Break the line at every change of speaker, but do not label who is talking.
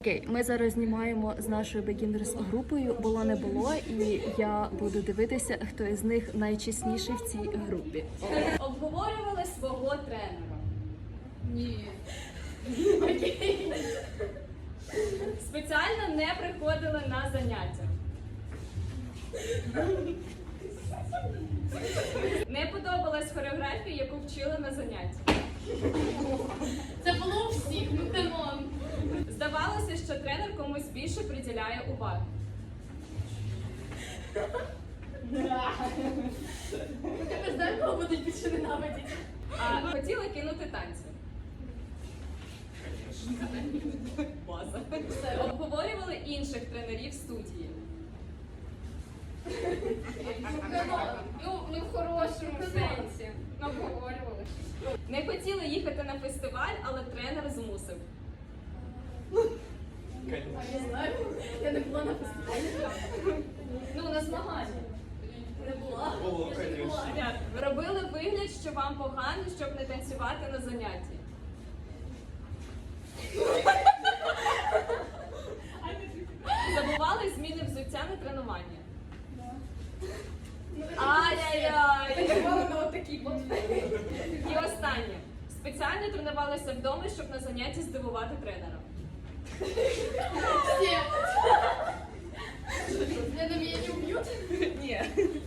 Окей, ми зараз знімаємо з нашою бегінерс групою «Було не було», і я буду дивитися, хто із них найчесніший в цій групі.
Обговорювали свого тренера.
Ні.
Окей. Спеціально не приходили на заняття. Не подобалась хореографія, яку вчили на занятті.
Це було у всіх, ну камон.
Здавалося, що тренер комусь більше приділяє уваги.
Тепер знаєш, кого будуть більше ненавидіти.
А хотіла кинути танці. База. Обговорювали інших тренерів студії.
Ну, не в хорошому сенсі. Ну, обговорювали.
Не хотіли їхати на фестиваль, але тренер змусив.
А я знаю, я не була на фестивалі.
Ну, на змагання.
Не була. Я ж не була.
Робили вигляд, що вам погано, щоб не танцювати на занятті. Забували зміни взуття на тренування. Ай-яй-яй! І останнє. Спеціально тренувалися вдома, щоб на занятті здивувати тренера.
Всі. Мене не вміють уб'ють?
Ні.